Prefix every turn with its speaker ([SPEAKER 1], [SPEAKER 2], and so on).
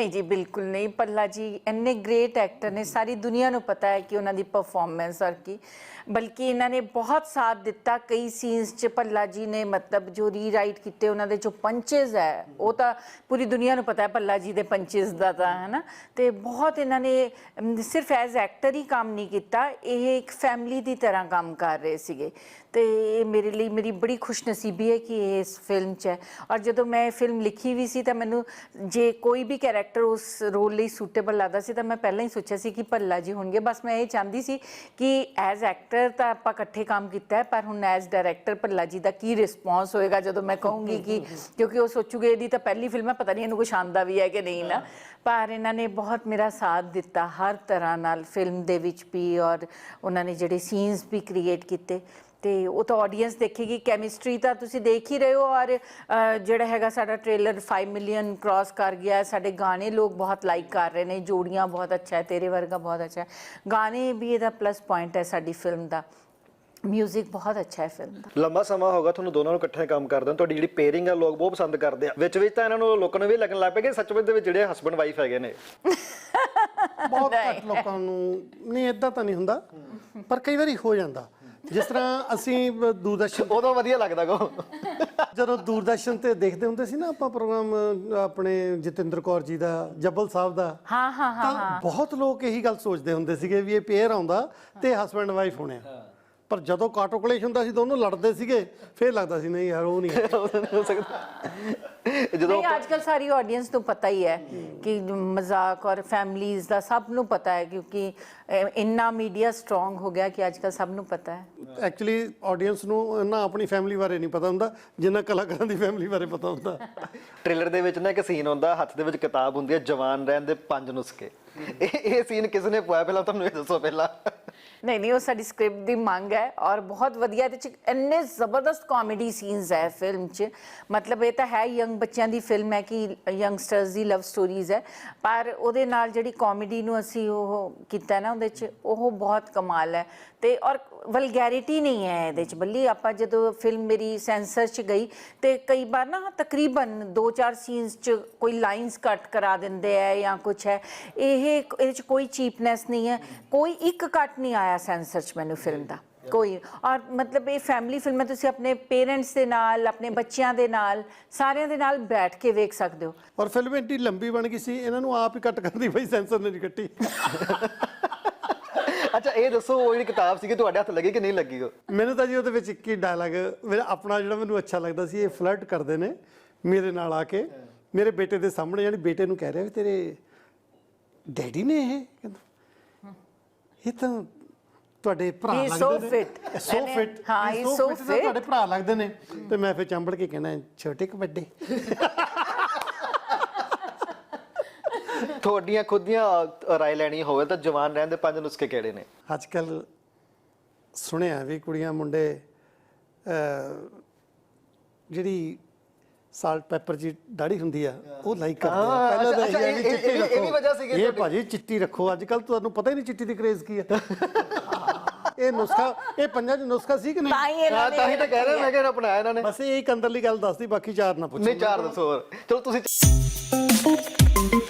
[SPEAKER 1] नहीं जी, बिल्कुल नहीं। पल्ला जी इन्ने ग्रेट एक्टर ने, सारी दुनिया को पता है कि उन्होंने परफॉर्मेंस और की, बल्कि इन्होंने बहुत साथ दिता कई सीन्स च। भल्ला जी ने मतलब जो रीराइट किए उन्होंने जो पंचेज है वो तो पूरी दुनिया को पता है भल्ला जी के पंचेज का तो है ना। तो बहुत इन्होंने सिर्फ एज एक्टर ही काम नहीं किया, ये एक फैमिली की तरह काम कर रहे थे। तो ये मेरे लिए मेरी बड़ी खुशनसीबी है कि ये इस फिल्म च है। और जो मैं फिल्म लिखी भी सी तो मैनू जे कोई भी कैरेक्टर उस रोल लिए सूटेबल लगता सी तो मैं पहले ही सोचा सी कि भल्ला जी होंगे। बस मैं ये चाहती सी कि एज एक्टर तो आप इकट्ठे काम किया है, पर हुण एज डायरैक्टर भल्ला जी का की रिस्पॉन्स होएगा जो मैं कहूँगी कि, क्योंकि वो सोचूगे ये तो पहली फिल्म है, पता नहीं इन्हू कुछ आंदा भी है कि नहीं ना। पर इन्होंने बहुत मेरा साथ दिता हर तरह नाल फिल्म दे विच भी, और उन्होंने जिहड़े सीन्स भी क्रिएट किए तो वो तो ऑडियंस देखेगी। कैमिस्ट्री तो तुसी देख ही रहे हो, और जिहड़ा हैगा साडा ट्रेलर 5 मिलियन क्रॉस कर गया है। साडे गाने लोग बहुत लाइक कर रहे हैं, जोड़ियाँ बहुत अच्छा है, तेरे वर्गा बहुत अच्छा है, गाने भी ये प्लस पॉइंट है साडी फिल्म का। म्यूजिक बहुत अच्छा है फिल्म का।
[SPEAKER 2] लंबा समा होगा ਤੁਹਾਨੂੰ ਦੋਨਾਂ ਨੂੰ ਇਕੱਠੇ ਕੰਮ ਕਰਦੇ ਹੋ, ਤੁਹਾਡੀ ਜਿਹੜੀ ਪੇਅਰਿੰਗ ਆ ਲੋਕ ਬਹੁਤ ਪਸੰਦ ਕਰਦੇ ਆ। ਵਿੱਚ ਵਿੱਚ ਤਾਂ ਇਹਨਾਂ ਨੂੰ ਲੋਕਾਂ ਨੂੰ ਵੀ ਲੱਗਣ ਲੱਗ ਪਿਆ ਕਿ ਸੱਚਮੁੱਚ ਦੇ ਵਿੱਚ ਜਿਹੜੇ ਹਸਬੰਡ ਵਾਈਫ ਹੈਗੇ ਨੇ।
[SPEAKER 3] ਬਹੁਤ ਘੱਟ ਲੋਕਾਂ ਨੂੰ ਨਹੀਂ, ਇਦਾਂ ਤਾਂ ਨਹੀਂ ਹੁੰਦਾ, ਪਰ ਕਈ ਵਾਰੀ ਹੋ ਜਾਂਦਾ। ਜਿਸ ਤਰ੍ਹਾਂ ਅਸੀਂ ਦੂਰਦਰਸ਼ਨ
[SPEAKER 2] ਉਦੋਂ ਵਧੀਆ ਲੱਗਦਾ ਕੋ
[SPEAKER 3] ਜਦੋਂ ਦੂਰਦਰਸ਼ਨ ਤੇ ਦੇਖਦੇ ਹੁੰਦੇ ਸੀ ਨਾ ਆਪਾਂ ਪ੍ਰੋਗਰਾਮ ਆਪਣੇ ਜਤਿੰਦਰ ਕੌਰ ਜੀ ਦਾ, ਜੱਬਲ ਸਾਹਿਬ ਦਾ।
[SPEAKER 1] ਹਾਂ ਹਾਂ ਹਾਂ
[SPEAKER 3] ਤਾਂ ਬਹੁਤ ਲੋਕ ਇਹੀ ਗੱਲ ਸੋਚਦੇ ਹੁੰਦੇ ਸੀਗੇ ਵੀ ਇਹ ਪੇਅਰ ਆਉਂਦਾ ਤੇ ਹਸਬੈਂਡ ਵਾਈਫ ਹੋਣੇ ਆ। ਪਰ ਜਦੋਂ ਕਾਟੋ ਕਲੇਸ਼ ਹੁੰਦਾ ਸੀ ਦੋਨੋਂ ਲੜਦੇ ਸੀਗੇ, ਫਿਰ ਲੱਗਦਾ ਸੀ ਨਹੀਂ ਯਾਰ ਉਹ ਨਹੀਂ
[SPEAKER 2] ਹੋ ਸਕਦਾ। ਜਦੋਂ
[SPEAKER 1] आजकल सारी ऑडियंस तो पता ही है कि मजाक और फैमिलीज़ का सब नू पता है, क्योंकि इन्ना मीडिया स्ट्रोंग हो गया कि आजकल सब नू पता है।
[SPEAKER 3] ਐਕਚੁਅਲੀ ਆਡੀਅנס ਨੂੰ ਨਾ ਆਪਣੀ ਫੈਮਿਲੀ ਬਾਰੇ ਨਹੀਂ ਪਤਾ ਹੁੰਦਾ ਜਿੰਨਾ ਕਲਾਕਾਰਾਂ ਦੀ ਫੈਮਿਲੀ ਬਾਰੇ ਪਤਾ ਹੁੰਦਾ।
[SPEAKER 2] ਟ੍ਰੇਲਰ ਦੇ ਵਿੱਚ ਨਾ ਇੱਕ ਸੀਨ ਹੁੰਦਾ, ਹੱਥ ਦੇ ਵਿੱਚ ਕਿਤਾਬ ਹੁੰਦੀ ਹੈ ਜਵਾਨ ਰਹਿਣ ਦੇ 5 ਨੁਸਖੇ। ਇਹ ਸੀਨ ਕਿਸ ਨੇ ਪਾਇਆ ਪਹਿਲਾਂ ਤੁਹਾਨੂੰ ਇਹ ਦੱਸੋ ਪਹਿਲਾਂ।
[SPEAKER 1] नहीं नहीं, वो साडी स्क्रिप्ट की मांग है, और बहुत वधिया इन्ने जबरदस्त कॉमेडी सीन्स है फिल्म च। मतलब ये तो है यंग बच्चों की फिल्म है कि यंगस्टर्स की लव स्टोरीज है, पर उहदे नाल जिहड़ी कॉमेडी नूं असीं ओह कीता ना उहदे च ओह बहुत कमाल है। तो और वलगैरिटी नहीं है ये, बल्कि आप जो फिल्म मेरी सेंसर च गई तो कई बार ना तकरीबन 2-4 सीन्स च कोई लाइन्स कट करा देंगे है या कुछ है। ये कोई चीपनेस नहीं है, कोई एक कट नहीं आया सेंसर च मैनू फिल्म का कोई। और मतलब ये फैमिली फिल्म है, तुसीं अपने पेरेंट्स के नाल, अपने बच्चों के नाल, सारिਆਂ ਦੇ ਨਾਲ बैठ के वेख सकते हो।
[SPEAKER 3] ਔਰ ਫਿਲਮ ਇੰਨੀ ਲੰਬੀ ਬਣ ਗਈ ਸੀ, ਇਹਨਾਂ ਨੂੰ ਆਪ ਹੀ ਕੱਟ ਕਰਨੀ ਪਈ, ਸੈਂਸਰ ਨੇ ਨਹੀਂ ਕੱਟੀ।
[SPEAKER 2] ਅੱਛਾ ਇਹ ਦੱਸੋ ਉਹ ਜਿਹੜੀ ਕਿਤਾਬ ਸੀਗੀ ਤੁਹਾਡੇ ਹੱਥ ਲੱਗੀ ਕਿ ਨਹੀਂ ਲੱਗੀ?
[SPEAKER 3] ਮੈਨੂੰ ਤਾਂ ਜੀ ਉਹਦੇ ਵਿੱਚ ਇੱਕ ਹੀ ਡਾਇਲਾਗ ਮੇਰਾ ਆਪਣਾ ਜਿਹੜਾ ਮੈਨੂੰ ਅੱਛਾ ਲੱਗਦਾ ਸੀ, ਇਹ ਫਲਰਟ ਕਰਦੇ ਨੇ ਮੇਰੇ ਨਾਲ ਆ ਕੇ ਮੇਰੇ ਬੇਟੇ ਦੇ ਸਾਹਮਣੇ, ਯਾਨੀ ਬੇਟੇ ਨੂੰ ਕਹਿ ਰਿਹਾ ਵੀ ਤੇਰੇ ਡੈਡੀ ਨੇ ਇਹ ਕਹਿੰਦਾ ਇਹ ਤਾਂ ਤੁਹਾਡੇ ਭਰਾ ਲੱਗਦੇ ਨੇ। ਸੋ ਫਿਟ
[SPEAKER 1] ਹਾਂ, ਇਹ ਸੋ ਫਿਟ
[SPEAKER 3] ਤੁਹਾਡੇ ਭਰਾ ਲੱਗਦੇ ਨੇ। ਤੇ ਮੈਂ ਫਿਰ ਚੰਬੜ ਕੇ ਕਹਿਣਾ ਛੋਟੇ ਕਿ ਵੱਡੇ।
[SPEAKER 2] ਤੁਹਾਡੀਆਂ ਖੁਦ ਦੀਆਂ ਰਾਏ ਲੈਣੀ ਹੋਵੇ ਤਾਂ ਜਵਾਨ ਰਹਿਣ ਦੇ 5 ਨੁਸਖੇ ਕਿਹੜੇ ਨੇ?
[SPEAKER 3] ਅੱਜ ਕੱਲ੍ਹ ਸੁਣਿਆ ਵੀ ਕੁੜੀਆਂ ਮੁੰਡੇ ਜਿਹੜੀ ਸਾਲਟ ਪੈਪਰ ਜੀ ਦਾੜੀ ਹੁੰਦੀ ਆ ਉਹ ਲਾਈਕ ਕਰਦੇ ਆ। ਪਹਿਲਾਂ ਤਾਂ ਇਹ ਵੀ ਚਿੱਟੀ ਰੱਖੋ,
[SPEAKER 2] ਇਹ ਵੀ ਵਜ੍ਹਾ ਸੀਗੀ
[SPEAKER 3] ਇਹ ਭਾਜੀ ਚਿੱਟੀ ਰੱਖੋ। ਅੱਜ ਕੱਲ੍ਹ ਤੁਹਾਨੂੰ ਪਤਾ ਹੀ ਨਹੀਂ ਚਿੱਟੀ ਦੀ ਕ੍ਰੇਜ਼ ਕੀ ਆ। ਇਹ ਨੁਸਖਾ, ਇਹ ਪੰਜਾਂ 'ਚ ਨੁਸਖਾ ਸੀ ਕਿ ਨਹੀਂ?
[SPEAKER 2] ਤਾਂ ਹੀ ਤਾਂ ਕਹਿ ਰਿਹਾ ਮੈਂ ਕਿ ਅਪਣਾਇਆ ਇਹਨਾਂ ਨੇ।
[SPEAKER 3] ਬਸ ਇਹ ਇੱਕ ਅੰਦਰਲੀ ਗੱਲ ਦੱਸਦੀ, ਬਾਕੀ ਚਾਰ ਨਾ ਪੁੱਛੋ।
[SPEAKER 2] ਨਹੀਂ ਚਾਰ ਦੱਸੋ ਹੋਰ। ਚਲੋ ਤੁਸੀਂ